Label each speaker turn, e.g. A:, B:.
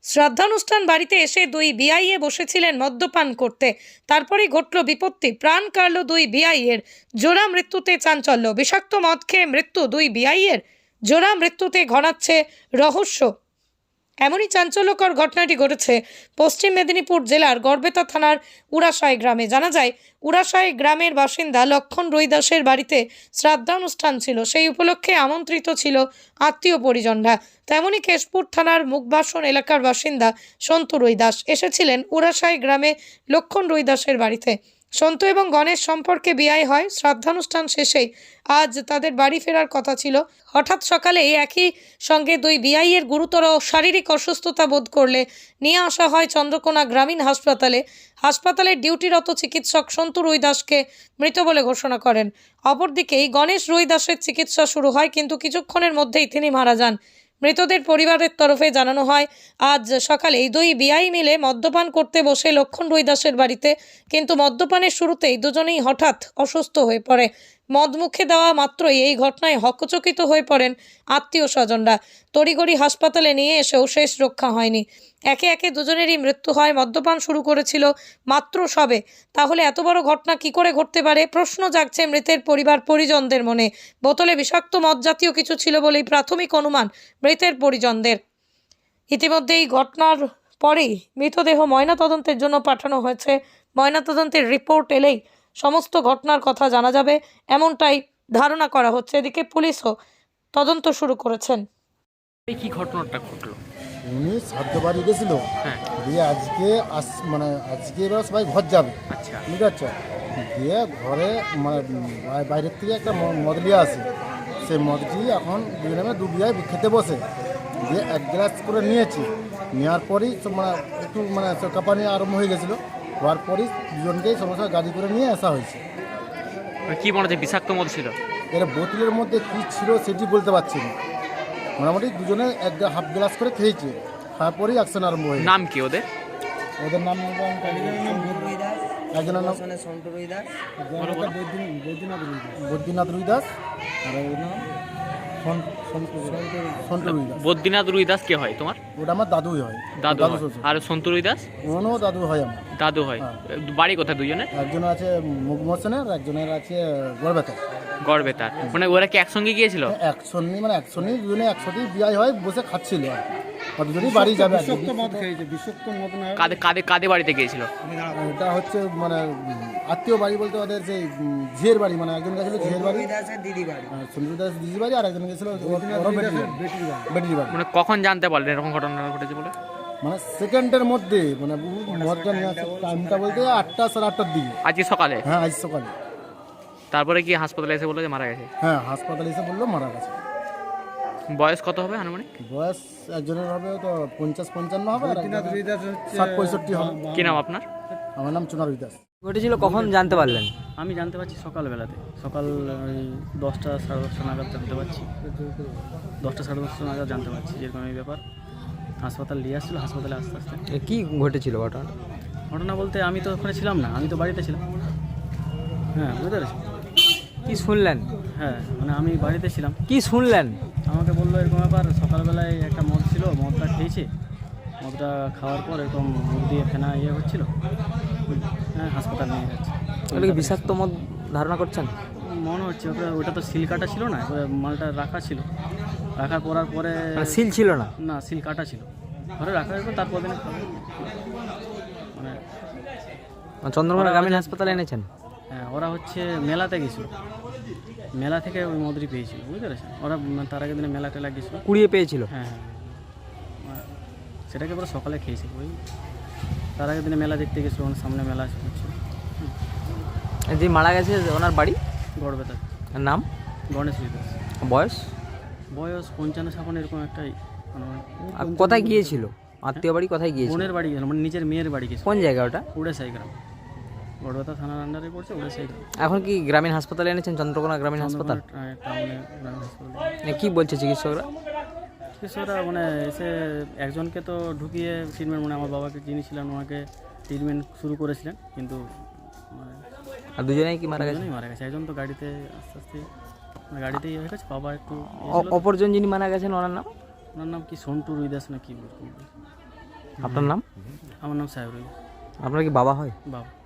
A: শ্রাদ্ধানুষ্ঠান বাড়িতে এসে দুই বিআইএ বসেছিলেন মদ্যপান করতে। তারপরেই ঘটল বিপত্তি, প্রাণ কাড়ল দুই বিআইয়ের। জোড়া মৃত্যুতে চাঞ্চল্য, বিষাক্ত মদ খেয়ে মৃত্যু দুই বিআইয়ের। জোড়া মৃত্যুতে ঘনাচ্ছে রহস্য। এমনই চাঞ্চল্যকর ঘটনাটি ঘটেছে পশ্চিম মেদিনীপুর জেলার গড়বেতা থানার উড়াশাই গ্রামে। জানা যায়, উড়াশাই গ্রামের বাসিন্দা লক্ষণ রুইদাসের বাড়িতে শ্রাদ্ধানুষ্ঠান ছিল। সেই উপলক্ষে আমন্ত্রিত ছিল আত্মীয় পরিজনরা। তেমনি কেশপুর থানার মুখবাসন এলাকার বাসিন্দা সন্তু রুইদাস এসেছিলেন উড়াশাই গ্রামে লক্ষণ রুইদাসের বাড়িতে। সন্তু এবং গণেশ সম্পর্কে বিয়ে হয়। শ্রাদ্ধানুষ্ঠান শেষেই আজ তাদের বাড়ি ফেরার কথা ছিল। হঠাৎ সকালে একই সঙ্গে দুই বিআইয়ের গুরুতর শারীরিক অসুস্থতা বোধ করলে নিয়ে আসা হয় চন্দ্রকোনা গ্রামীণ হাসপাতালে। হাসপাতালের ডিউটিরত চিকিৎসক সন্তু রুইদাসকে মৃত বলে ঘোষণা করেন। অপরদিকে গণেশ রুইদাসের চিকিৎসা শুরু হয়, কিন্তু কিছুক্ষণের মধ্যেই তিনি মারা যান। মৃতদের পরিবারের তরফে জানানো হয়, আজ সকালে দুই বিআই মিলে মদ্যপান করতে বসে লক্ষণ রুইদাসের বাড়িতে, কিন্তু মদ্যপানের শুরুতেই দুজনেই হঠাৎ অসুস্থ হয়ে পড়ে। মদ মুখে দেওয়া মাত্রই এই ঘটনায় হকচকিত হয়ে পড়েন আত্মীয় স্বজনরা। তড়িঘড়ি হাসপাতালে নিয়ে এসেও শেষ রক্ষা হয়নি। একে একে দুজনেরই মৃত্যু হয়। মদ্যপান শুরু করেছিল মাত্র সবে, তাহলে এত বড় ঘটনা কি করে ঘটতে পারে? প্রশ্ন জাগছে মৃতের পরিবার পরিজনদের মনে। বোতলে বিষাক্ত মদ জাতীয় কিছু ছিল বলেই প্রাথমিক অনুমান মৃতের পরিজনদের। ইতিমধ্যে এই ঘটনার পরেই মৃতদেহ ময়নাতদন্তের জন্য পাঠানো হয়েছে। ময়নাতদন্তের রিপোর্ট এলেই সমস্ত ঘটনার কথা জানা যাবে, এমনটাই ধারণা করা হচ্ছে। এদিকে পুলিশও তদন্ত শুরু করেছেন।
B: এই কি ঘটনাটা ঘটলো?
C: উনি শ্রাদ্ধ বাড়ি গেছিল,
B: হ্যাঁ,
C: দিয়ে আজকে এবার সবাই ঘর যাবে,
B: আচ্ছা,
C: ঠিক আছে। দিয়ে ঘরে বাইরের থেকে একটা মদ নিয়ে আসে। সেই মদটি এখন দুজনে দু বিয়ায় খেতে বসে, দিয়ে এক গ্লাস করে নিয়েছি। নেওয়ার পরেই একটু কাঁপানি আরম্ভ হয়ে গেছিলো। হওয়ার পরই দুজনকেই সমস্যা গাড়ি করে নিয়ে আসা হয়েছে।
B: কি মনে হচ্ছে বিষাক্ত মদ ছিল?
C: এর বোতলের মধ্যে কী ছিল সেটি বলতে পারছি না। মোটামুটি দুজনে হাফ গ্লাস করে খেয়েছে। তারপরেই অ্যাকশন আরম্ভ হয়েছে।
B: নাম কি ওদের?
C: ওদের নাম একজনের নাম বৈদ্যনাথ রুইদাস, আর ওর নাম সন্তু রুইদাস।
B: বদ্রীনাথ রুইদাস কে হয় তোমার?
C: ওটা আমার দাদুই হয়।
B: দাদু হয়।
C: শ্বশুর।
B: আর সন্তু রুইদাস?
C: ওনাও দাদু হয় আমার।
B: দাদু হয়।
C: হ্যাঁ।
B: বাড়ি কোথায় দুজনে?
C: একজন আছে মুখমোশনের, একজনের আছে গড়বেতার।
B: গড়বেতার। মানে ওরা কি একসঙ্গে গিয়েছিল?
C: একসঙ্গে দুজনে একসাথেই বিয়ে হয়, বসে খাচ্ছিল আর দুজনেই বাড়ি যাবে।
B: কাদের কাদের কাদের বাড়িতে গিয়েছিল?
C: এটা হচ্ছে আত্মীয় বাড়ি বলতে ওদের সেই ঝিয়ের বাড়ি। একজন গেছিল ঝিয়ের বাড়ি, সুন্দর দাস দিদির বাড়ি, আর একজন গেছিল বেটির বাড়ি।
B: মানে কখন জানতে পারলেন এরকম ঘটনা ঘটেছে বলে?
C: সেকেন্ডের মধ্যে মদটা নিয়ে আসে। টাইমটা বলতে 8টা সাড়ে 8টার দিকে।
B: আজকে সকালে?
C: হ্যাঁ, আজ সকালে।
B: তারপরে কি হাসপাতালে এসে বললো যে মারা গেছে?
C: হ্যাঁ, হাসপাতালে এসে বললো মারা গেছে।
B: বয়স কত হবে আনুমানিক?
C: বয়স একজনের হবে তো 50-55 হবে, আর 60-65 হবে।
B: কি নাম আপনার?
C: আমার নাম চুনা রুইদাস।
D: ঘটেছিল কখন জানতে পারলেন?
E: আমি জানতে পারছি সকালবেলাতে, সকাল ওই 10টা সাড়ে 10টা নাগাদ জানতে পারছি। 10টা সাড়ে 10টা নাগাদ জানতে পারছি যেরকম এই ব্যাপার। হাসপাতাল নিয়ে আসছিলো, হাসপাতালে আস্তে আস্তে
D: কি ঘটেছিল ঘটনা?
E: ঘটনা বলতে আমি তো ওখানে ছিলাম না, আমি তো বাড়িতে ছিলাম। হ্যাঁ, বুঝতে পেরেছি।
D: কি শুনলেন?
E: হ্যাঁ, আমি বাড়িতে ছিলাম।
D: কি শুনলেন?
E: আমাকে বললো এরকম ব্যাপার, সকালবেলায় একটা মদ ছিল, মদটা খেয়েছে। মদটা খাওয়ার পর এরকম মুখ দিয়ে ফেনা হচ্ছিলো। হ্যাঁ, হাসপাতাল নিয়ে যাচ্ছে।
D: ওটা কি বিষাক্ত মদ ধারণা করছেন?
E: মনে হচ্ছে ওটা তো সিল কাটা ছিল না, মালটা রাখা ছিল। রাখার পরে
D: সিল ছিল না?
E: না, সিল কাটা ছিল। ঘরে রাখার পর তারপর দিনে
D: চন্দ্রকোনা গ্রামীণ হাসপাতালে এনেছেন?
E: হ্যাঁ, ওরা হচ্ছে মেলাতে গেছিলো। মেলা থেকে ওই মদরি পেয়েছিল, বুঝতে পেরেছেন। ওরা তার আগের দিনে মেলা টেলা গেছিলো,
D: কুড়িয়ে পেয়েছিল।
E: হ্যাঁ হ্যাঁ, সেটাকে পরে সকালে খেয়েছিল। ওই তার আগের দিনে মেলা দেখতে গেছিলো, ওনার সামনে মেলা হচ্ছিল।
D: যে মারা গেছে ওনার বাড়ি
E: গড়বেতার।
D: নাম?
E: গণেশ রুইদাস।
D: বয়স?
E: বয়স 55-56 এরকম একটাই।
D: আর কোথায় গিয়েছিল? আত্মীয় বাড়ি কোথায় গিয়েছিল?
E: বোনের বাড়ি গেছিল, নিজের মেয়ের বাড়ি গেছিল।
D: কোন জায়গা ওটা?
E: উড়াশাই গ্রাম, গড়বেতা থানার আন্ডারে পড়ছে উড়াশাই গ্রাম।
D: এখন কি গ্রামীণ হাসপাতালে এনেছেন? চন্দ্রকোনা গ্রামীণ হাসপাতাল
E: টাউনে গ্রামীণ হাসপাতাল।
D: কি বলছে চিকিৎসকরা?
E: চিকিৎসকরা এসে একজনকে তো ঢুকিয়ে ট্রিটমেন্ট, আমার বাবাকে যিনি ছিলেন ওনাকে ট্রিটমেন্ট শুরু করেছিলেন, কিন্তু
D: আর দুজনেই কি মারা গেছে?
E: মারা গেছে। একজন তো গাড়িতে আস্তে আস্তে গাড়িতেই হয়ে গেছে। বাবা একটু
D: অপরজন যিনি মারা গেছেন ওনার নাম?
E: ওনার নাম কি সন্তু রুইদাস না কি?
D: আপনার নাম?
E: আমার নাম সাহেবরুল
D: আপনার কি বাবা হয়?
E: বাবা।